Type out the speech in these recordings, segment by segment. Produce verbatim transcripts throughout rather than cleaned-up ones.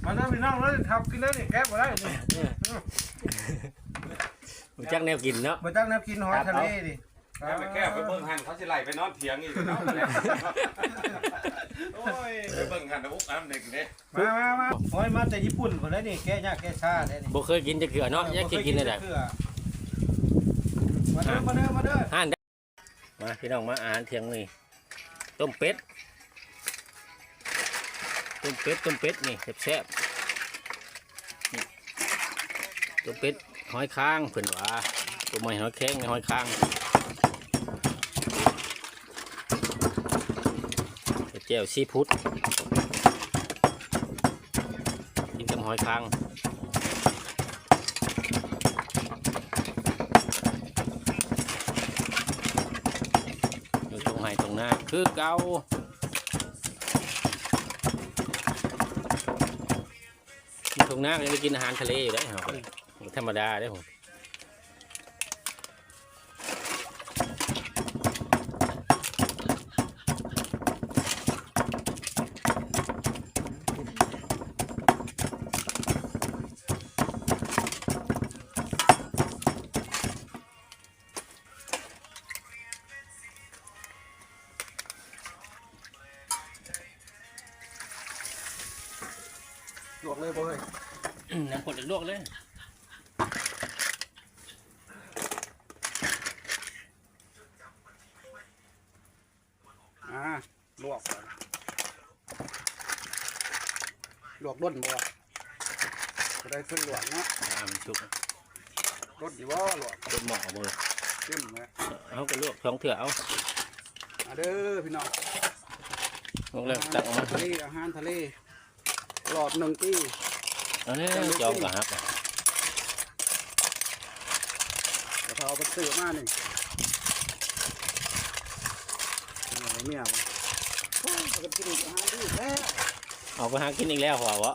มาเด้อพี่น้องแล้วทับกินเลยนี่แก้บ่ได้นี่บ่จักแนวกินเนาะบ่จักน้ำกินหอยทะเลดิไปแก้ไปเบิ่งหันเขาสิไล่ไปนอนเถียงอีกเนาะโอ้ยไปเบิ่งหันอุ๊บอ้ำเด็กเด้มามามาหอยมาแต่ญี่ปุ่นพุ่นแล้วนี่แก้ยากแก้ชาแท้นี่บ่เคยกินจักเทื่อเนาะยังสิกินได้มาเด้อมาเด้อมาเด้อห่านมาพี่น้องมาอาหารเที่ยงนี่ต้มเป็ดต้มเป็ดต้มเป็ดนี่แซ่บๆนี่ต้มเป็ดหอยค้างเพิ่นว่าตัวใหม่หอยแข็งหอยค้างแจ่วซีฟู้ดกินกับหอยค้างอยู่ตรงไหนตรงหน้าคือเก่าตรงหน้าก็ยังไปกินอาหารทะเลอยู่ได้เหรอธรรมดาได้ผมลวกเลยบ่เฮ้ยน้ำกดลวกเลยอ่าลวกลวกด้นบ่จะได้ขึ้นลวกเนาะน้ำชุบรสอยู่บ่ลวกเป็นหม้อมือเข้มเลยเอาก็ลวกสองเถื่อเอามาเด้อพี่น้องลวกแล้วตักออกมาทะเลอาหารทะเลหลอดหนึ่งตีอันนี้จอมกับฮักกระเพราไปซื้อมานี่เนี่ยโอ้ยจะกินอาหารดีแท้เอาไปหากินอีกแล้วหัววะ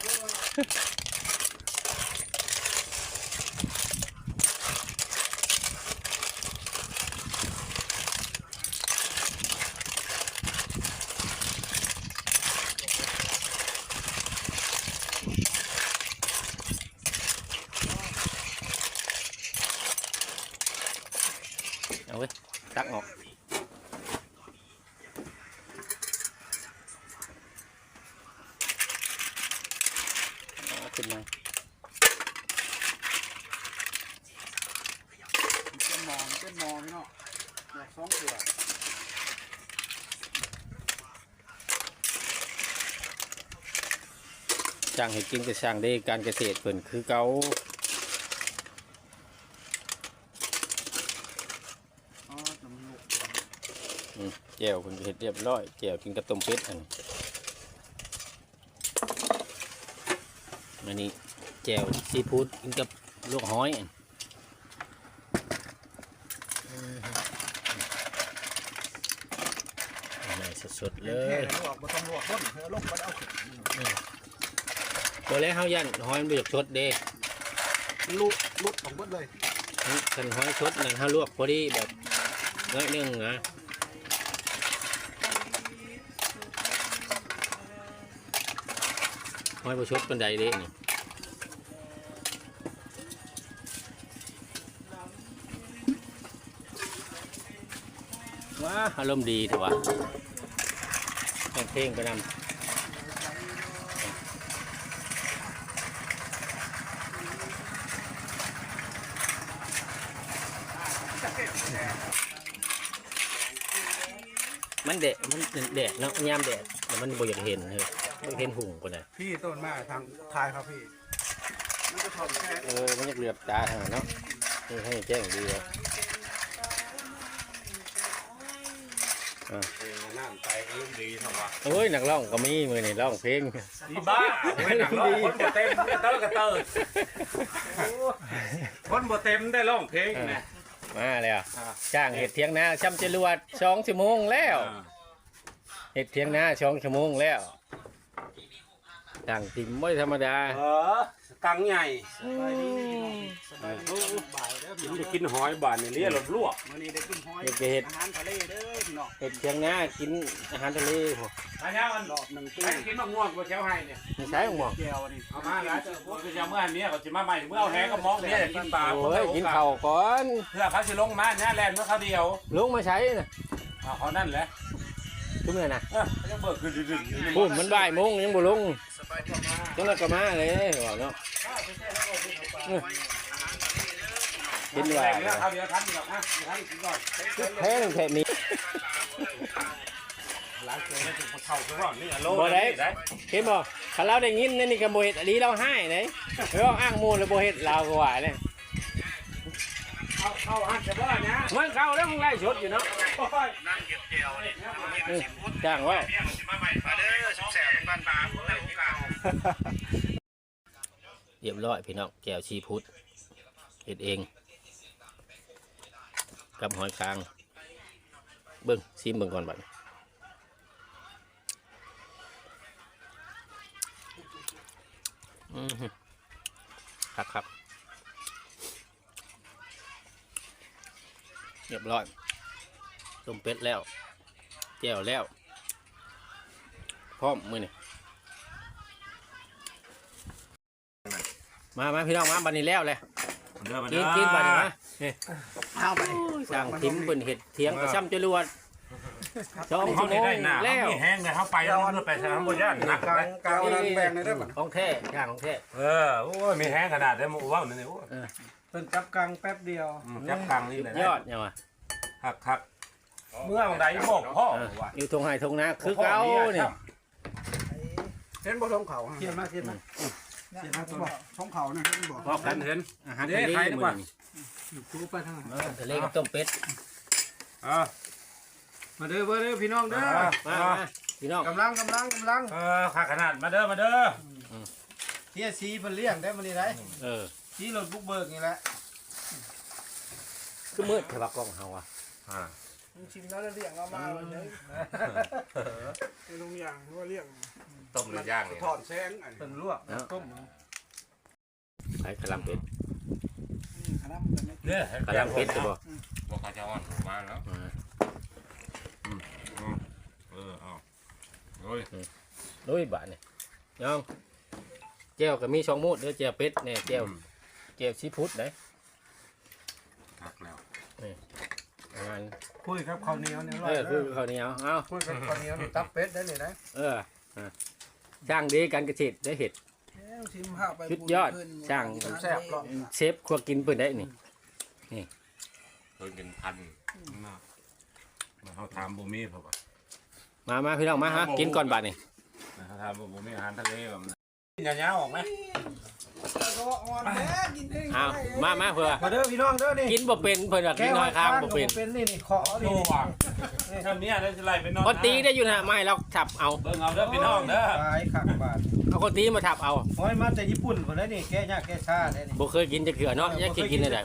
เอาไว้ตักออกขึ้นมาเป็นหมอนเป็นหมอนพี่น้องหลอกสองเถื่อช่างให้กินกับช่างได้การเกษตรเพิ่นคือเก่าอ๋อน้ำลูกอืมแจ่วเพิ่นเฮ็ดเรียบร้อยแจ่วกินกับต้มเป็ดอันอันนี้แจ่วซีฟู้ดกินกับลวกหอยอันนี่สดๆเลแค่ยลวกบ่ต้องลวกต้นเธอลงมาเอาขึ้นตัวแรกเฮายันหอยมันบ่อยากสดเด้ลุกลุกของเบิดเลยคันหอยสดนั่นเฮาลวกพอดีแบบน้อยหนึงนะหอยบ่สดปานใดเด้นี่ว้าอารมณ์ดีเถอะวะแต่งเพลงไปนำมันแดดมันแดดเนาะยามแดดแต่มันบ่อยากเห็นเลยบ่เห็นหุ่งกว่าน่ะพี่ต้นมาทางทายครับพี่มันจะถอดแค่เออมันอยากเหลือบตาทางนั้นเนาะนี่ให้แจ้งดีเลยอ่าน้ำใจก็ลุ่มดีเถอะวะโอ้ยนักร้องก็มีมือนี่ร้องเพลงอีบ้าไม่หนักร้องคนบ่เต็มเตอร์กระเตอร์คนบ่เต็มได้ร้องเพลงนะมาแล้วจ้างเห็ดเทียงนาช่ำจรวดสองชั่วโมงแล้วเห็ดเทียงนาสองชั่วโมงแล้วต่างติ่มไม่ธรรมดาเออกังใหญ่สบายดีสบายดีบ่ายเด้อกิพี่นน้องจะกินหอยบานนี่เลี้ยรถลวกมื้อนี้ได้กินหอยเด็กเห็ดอาหารทะเลเด้อพี่น้องเห็ดเชียงนากินอาหารทะเลพวกอันนี้มันรอบหนึ่งปีไปกินมะม่วงกูเช้าให้เนี่ยไม่ใช่หมอกแก้วนี่เอามาแล้วกูจะเมื่อนี้ก็จะมาใหม่เมื่อเอาแหก็มองเนี่ยกินปลาโอ้ยกินข้าวก่อนเพื่อเขาจะลงมาเนี่ยแลนเมื่อเขาเดียวลุงมาใช้นะเขานั่นแหละทุกเมื่อนะเออเขาจะเบิกคือดึงพูดมันบ่ายโมงยังบ่ลงจังนั้นก็มาเลยบอกเนาะกินว่าแล้วเขาเดียวทันหรอกนะทันกินก่อนแพ้งแท้นี้หลังเกิดแล้วถึงเขาคือว่านี่โลบ่ได้เห็นบ่ถ้าเราได้ยินนั่นนี่ก็บ่เฮ็ดอันนี้เราให้ไหนเอออ้างมูลแล้วบ่เฮ็ดเราก็ว่าเนี่ยเขาเขาอันจะว่าเนี่ยมันเข้าแล้วมึงไล่ชดอยู่เนาะนั่งเก็บเจียวเนี่ยเออจ้างว่าเนี่ยมันจะมาใหม่มาเด้อสองแสนบ้านปลาเพื่อที่เก่าเรียบร้อยพี่น้องแก้วชีพุทธเฮ็ดเองกับหอยคางเบิ่งซิมเบิ่งก่อนบัดอือฮึครับครับเรียบร้อยต้มเป็ดแล้วแจ่วแล้วพร้อมมือนี่มามาพี่น้องมาบันนี้แล้วเลยเด้อมากิเด้นอกินบันนี้มานี่เอาไปสั่งทิมเป็นเห็ดเทียงกระช่ำจรวดสองเขาชั่วโมได้งหน้าแล้วเขามีแห้งเลยเขาไปแล้วมันไปทางบนย่านหนักกลางเลยกลางนั้นแบ่งในเด้อบัดของแท้ย่างของแท้เออโอ้ยมีแห้งขนาดได้หมูว่าวนี่โอ้ยเพิ่นจับกลางแป๊บเดียวจับกลางนี่เลยยอดเนี่ยวะหักหักเมื่อวันใดบอกพ่อเออว่าอยู่ทงไห้ทงนาคือเก่าเนี่ยเห็นบ่ท้องเขาเขียนมาเขียนมาเขียนมาบ่ท้องเขานะเห็นบ่พอกันเห็นอาหารเด้ทะเลใครดีกว่ามื้อนี้คูไปทางนั้นอาหารทะเลกับต้มเป็ดเออมาเด้อมาเด้อพี่น้องเด้อมามาพี่น้องกำลังกำลังกำลังเออขาขนาดมาเด้อมาเด้อเฮียสีเพิ่นเลี้ยงได้มื้อนี้ได้เออสีรถบุกเบิกนี่แหละคือมืดแถวกล้องเฮาอ่ะอ่าชิมแล้วเลี้ยงเอามาวันนี้ไอ้ลุงอย่างว่าเลี้ยงต้มหรือย่างนี่ถอดแสงอันเพิ่นลวกต้มไข่กะหล่ำเป็ดขนาดมันไม่เด้อกะหล่ำเป็ดจะบ่บอกเขาจะอ่อนมาแล้วอ่าเออเอาโอ้ยลุยบาทนี่น้องแก้วก็มีสองมูดเด้อแก้วเป็ดเนี่ยแก้วแก้วซีฟู้ดไหนหักแล้วประมาณคุยครับข้าวเหนียวเนี่ยเออคือข้าวเหนียวเอาคุยกับข้าวเหนียวนี่ตับเป็ดได้เลยนะเอออ่ะช่างดีการเกษตรได้เห็ดชิมข้าวไปสุดยอดช่างแซ่บหรอกเชฟครัวกินเปิดได้นี่เคยกินพันมาเขาถามบุมีเพราะว่ามามาพี่น้องมาฮะกินก่อนบาทนี่เขาถามบุมีอาหารทะเลแบบกินยาวๆออกไหมเอามามาเพื่อมาเด้อพี่น้องเด้อนี่กินบ่เป็นเพิ่นว่ากินน้อยข้างบ่เป็นเป็นนี่นี่ขอโน่ว่ะทำเนี้ยได้จะไล่ไปนอนคนตีได้อยู่นะไม่เราทับเอาเบิ่งเอาเด้อพี่น้องเด้อขายขักบาทเอาคนตีมาทับเอาหอยมาแต่ญี่ปุ่นคนนั้นนี่แก้ยากแก้ชาได้นี่บ่เคยกินจะเขือเนาะยังกินกินได้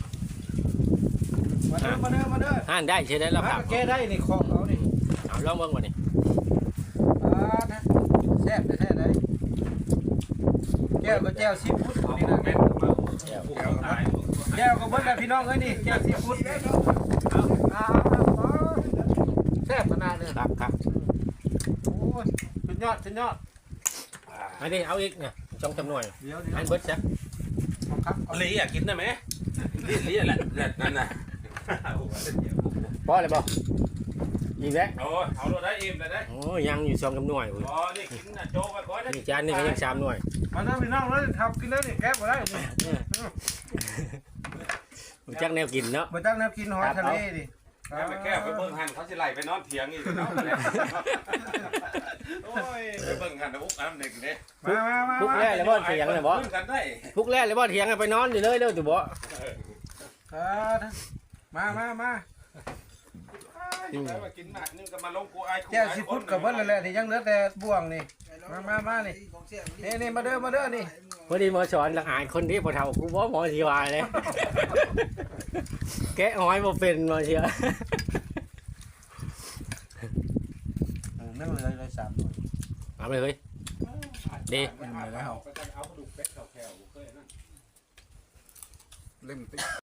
มาเด้อมาเด้อมาเด้อห่านได้ใช่ได้แล้วมาครับแก้ได้นี่ของเอานี่เอาลองเบิ่งว่านี่อ่านะแซ่บแท้ๆได้แก้วก็แก้วซีฟู้ดนี่นะแม่นมาแก้วตายแก้วก็เบิ่งได้พี่น้องเอ้ยนี่แก้วซีฟู้ดเอาเอาแซ่บขนาดเลยครับครับโอ้ยสุดยอดสุดยอดอันนี้เอาอีกเนี่ยจองจำนวนเดี๋ยวเดี๋ยวอันเบิดซะครับลีอยากกินได้ไหมลีลีแหละนั่นน่ะพอเลยบ่อีกแล้วโอ้เอาโลได้อิ่มเลยได้โอ้ยังอยู่สองจำนวนอ๋อนี่กินน่ะโจไปก่อนนะนี่จานนี่ก็ยังสามหน่วยมาเด้อพี่น้องแล้วทำกินแล้วนี่แก้บ่ได้นี่รู้จักแนวกินเนาะบ่ตั้งแนวกินหอยทะเลดิแก้วไปแก้วไปเบิ่งหันเขาสิไล่ไปนอนเถียงอีกเนาะโอ้ยไปเบิ่งหันนะอุ๊บอันเด็กเด้มามามาพุกแรกเลยบ่เถียงเลยบ่ขึ้นกันได้พุกแรกเลยบ่เถียงกันไปนอนอยู่เลยเด้อตู่บ่มามามาได้มากินหนักนึงก็มาลงกูอายแก้วซีฟู้ดกับเพิ่นนั่นแหละที่ยังเหลือแต่บ่วงนี่มามามานี่นี่นี่มาเด้อมาเด้อนี่พอดีหมอสอนหลังอายคนที่พอเฒ่ากูบ่หมอสิว่าเลยแกะหอยบ่เป็นมาเชียวนั่งเลยเลยสามหน่วยเอาไปเฮ้ยเด้อิ่มเลยแล้วเอากระดูกเป็ดเข้าแถวบ่เคยนั่นเล่มติ